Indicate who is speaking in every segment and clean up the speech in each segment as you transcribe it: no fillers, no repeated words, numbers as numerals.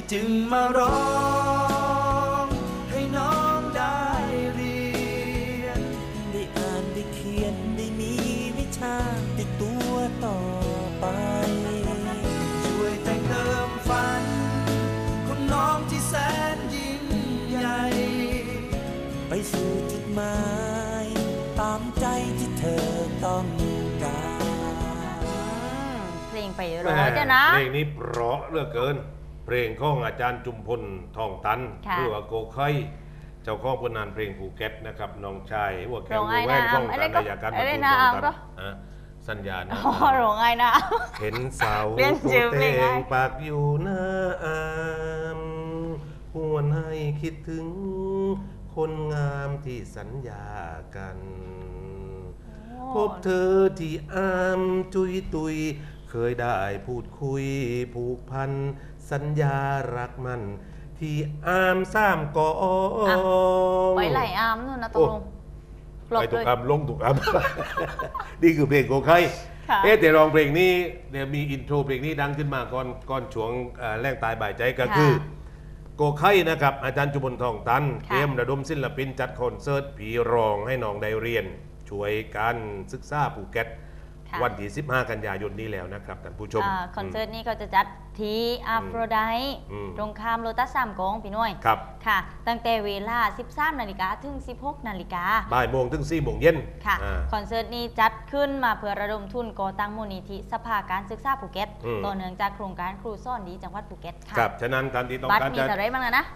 Speaker 1: จึงมาร้องให้น้องได้เรียน
Speaker 2: ได้อ่านได้เขียนได้มีวิชาติดตัวต่อไป
Speaker 1: ช่วยแต่งเติมฝันของน้องที่แสนยิ่งใหญ่
Speaker 2: ไปสู่จุดหมายตามใจที่เธอต้องการ
Speaker 3: เพลงไปร้อยจ้ะนะ
Speaker 4: เพลงนี้เพราะเหลือเกินเพลงของอาจารย์จุมพลทองตันหรือว่าโกไข่เจ้าของผลงานเพลงภูเก็ตนะครับน้องชายหัวแก้วหัวแหวนของการนายการประตูทองตันสัญญาณ
Speaker 3: โรงไงนะ
Speaker 4: เห็นสาวโคเตงปากอยู่หน้าอามหวนให้คิดถึงคนงามที่สัญญากันพบเธอที่อามจุยตุยเคยได้พูดคุยผูกพันสัญญารักมันที่อามซ้ำก่อ
Speaker 3: ไว้ไหลอามนู่นนะตกลง
Speaker 4: ไปถูกอามลงถูกอามนี่คือเพลงโกไข่แต่ร้องเพลงนี้เดี๋ยวมีอินโทรเพลงนี้ดังขึ้นมาก่อนช่วงแรงตายบ่ายใจก็คือโกไข่นะครับอาจารย์จุมพลทองตันเตรียมระดมศิลปินจัดคอนเสิร์ตผีรองให้น้องได้เรียนช่วยการศึกษาภูเก็ตวันที่15 กันยายนนี้แล้วนะครับท่านผู้ชม
Speaker 3: คอนเสิร์ตนี้ก็จะจัดที่อัฟโรไดตรงข้ามโลตัส3 กองพี่น้อย
Speaker 4: ครับ
Speaker 3: ค่ะตั้งแต่เวลา 13 นาฬิกาถึง 16 นาฬิกา
Speaker 4: บ่ายโมงถึง 4 โมงเย็น
Speaker 3: ค่ะคอนเสิร์ตนี้จัดขึ้นมาเพื่อระดมทุนก่อตั้งมูลนิธิสภาการศึกษาภูเก็ตต่อเนื่องจากโครงการครูซ่อนดีจังหวัดภูเก็ตค่ะ
Speaker 4: ครับฉะนั้นการที่ต้อง
Speaker 3: การมีแต่ไรบ้างนะ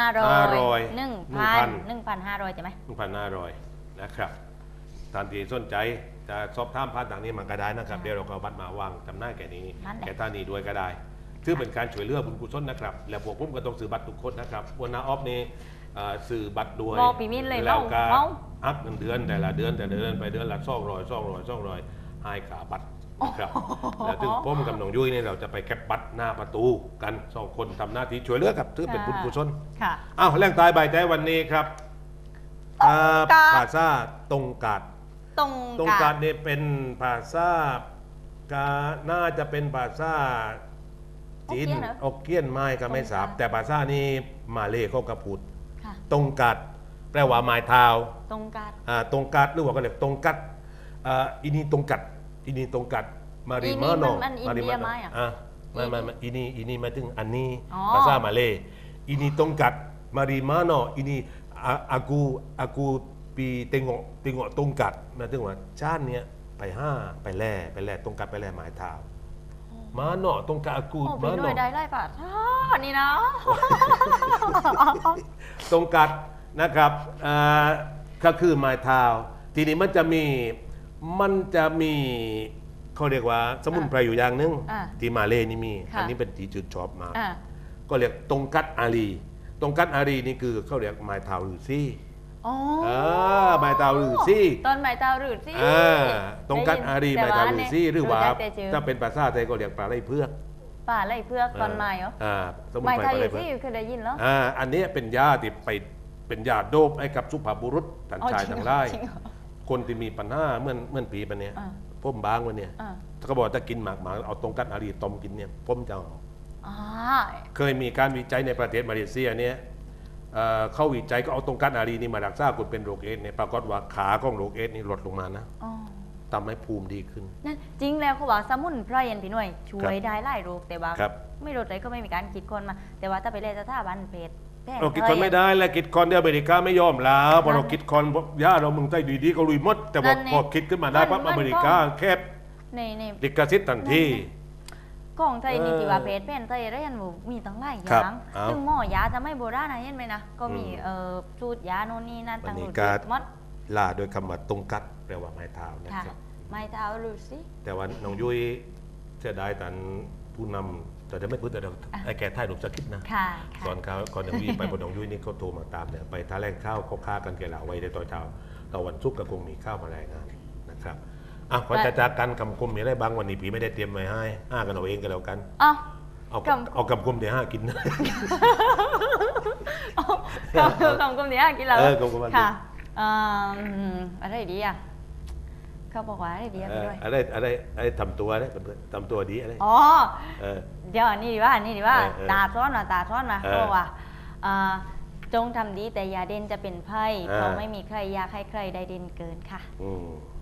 Speaker 3: 500 1,500ใช่ไหม
Speaker 4: 1,500นะครับท่านที่สนใจจะสอบถามผ่านทางนี้มันก็ได้นะครับเดี๋ยวเราก็บัตรมาวางจำหน้าแก่นี้แก่ท่านนี้ด้วยก็ได้ถือเป็นการช่วยเหลือบุญกุศลนะครับแล้วพวกผมก็ต้องซื้อบัตรทุกคนนะครับวันนาออฟนี่ซื้อบัตรด้วยแล้วก็อัพเงินเดือนแต่ละเดือนไปเดือนละ200ให้ขาบัตรนะครับแล้วถึงผมกับน้องยุ้ยนี่เราจะไปแคปบัตรหน้าประตูกัน2 คนทำหน้าที่ช่วยเหลือครับถือเป็นบุญกุศลอ้าวแรงตายบ่ายใจวันนี้ครับภาษาตรงกาดตรงกาดเนี่ยเป็นภาษาน่าจะเป็นภาษาจีนออกเกี้ยนไม้ก็ไม่ทราบแต่ภาษานี้มาเลเขาก็พูดตรงกาดแปลว่าไม้เท้า
Speaker 3: ตรงกาด
Speaker 4: ตรงกาดหรือว่าก็เรียกตรงกัดอินี่ตรงกัดอินี่ตรงกัดมาริมาโน
Speaker 3: มาริมา
Speaker 4: ไม่อินี่มาถึงอันนี้ภาษามาเลอินี่ตรงกัดมาริมาโนอินี่akuปีเตงโตรงกัดมาถึงว่าชาติเนี้ยไปแล่ตรงกัดไปแล่หมายเท้ามาเนาะตรงกัดกู
Speaker 3: มาเนาะได้ไล่ป่ะนี่นะ
Speaker 4: ตรงกัดนะครับก็คือหมายเท้าทีนี้มันจะมีเขาเรียกว่าสมุนไพรอยู่อย่างนึงที่มาเลนี่มีอันนี้เป็นที่จุดชอบมาก็เรียกตรงกัดอารีตรงกัดอารีนี่คือเขาเรียกหมายเท้าหรือซี่ไม้เตาหรือซี่
Speaker 3: ตอนไม้เตาหรือซี่
Speaker 4: ตรงกันอารีไม้เตาหรือซี่หรือว่าถ้าเป็นภาษาไทยก็เรียกปลาไหลเพือก
Speaker 3: ตอนไม้เหรอไม้เตาหรือซี่เคยได้ยินแล้ว
Speaker 4: อันนี้เป็นยาที่ไปเป็นยาโดบให้กับสุภาพบุรุษทั้งชายทั้งไร่คนที่มีปัญหาเหมือนผีปันเนี้ยพ่มบางวันเนี้ยเขาบอกถ้ากินหมากเอาตรงกันอารีต้มกินเนี่ยพ่มจะเคยมีการวิจัยในประเทศมาเลเซียเนี่ยเข้าวิจัยก็เอาตรงกัดอารีนี่มารักษาคนเป็นโรคเอดส์เนี่ยปรากฏว่าขาของโรคเอดส์นี่ลดลงมานะทำให้ภูมิดีขึ้น
Speaker 3: นั่นจริงแล้วเขาบอกสมุนไพรพี่หน่วยช่วยได้หลายโรคแต่ว่าไม่โรคไหนก็ไม่มีการคิดคนมาแต่ว่าถ้าไปเรียนสถาบันเพศ
Speaker 4: เราคิดคนไม่ได้แล้วคิดคนที่อเมริกาไม่ยอมแล้วพอเราคิดคนย่าเราเมืองไทยดีๆก็ลุยมดแต่พอคิดขึ้นมาได้ปั๊บอเมริกาแคบลิขสิทธิ์ทันที
Speaker 3: ของไทยนี่ที่ว่าเพศเป็นไทยได้ยันมีตั้งหลายอย่างซึ่งหมอยาจะไม่โบราณนะเห็นไหมนะก็มีสูตรยาโน่นนี่นั่นต่าง
Speaker 4: ๆมดลาโดยคำว่าตรงกัดแปลว่าไม้เท้านะครับ
Speaker 3: ไม้เท้าหรือสิ
Speaker 4: แต่ว่าน้องยุ้ยเสียดายแต่ผู้นำแต่ไม่พูดแต่ไอ้แก่ท่ายหนุ่มสกิดนะสอนเขาก่อนน้องยุ้ยไปบนน้องยุ้ยนี่เขาโทรมาตามเนี่ยไปท่าแรงข้าวเขาฆ่ากันแก่ละไว้ในตอนเช้าต่อวันศุกร์ก็คงมีข้าวมาแรงงานนะครับก่อนจะจากกันคำคมมีอะไรบางวันนี้ผีไม่ได้เตรียมไว้ให้กันเอาเองกันแล้วกันเอาคำคมที่5กิน
Speaker 3: คำคมที่5กินแล้ว
Speaker 4: คำคม
Speaker 3: ค่ะอะไรดีอ่ะคเขาบอกว่าอะไรดีอะ
Speaker 4: เอ
Speaker 3: พี่
Speaker 4: อ
Speaker 3: ด้วย
Speaker 4: อะไรทำตัวอะไรทำตัวดีอะไร
Speaker 3: อ๋อ
Speaker 4: เออ
Speaker 3: เดี๋ยวอันนี้ดีว่าอันนี้ดีว่า
Speaker 4: เออ
Speaker 3: ตาซ้อนมาตาซ้อนมา
Speaker 4: เออ
Speaker 3: เขาบอกว่าจงทำดีแต่อย่าเด่นจะเป็นไพ่
Speaker 4: เออ
Speaker 3: เพราะไม่มีใครอยากให้ใครได้เด่นเกินค่ะ
Speaker 4: อืม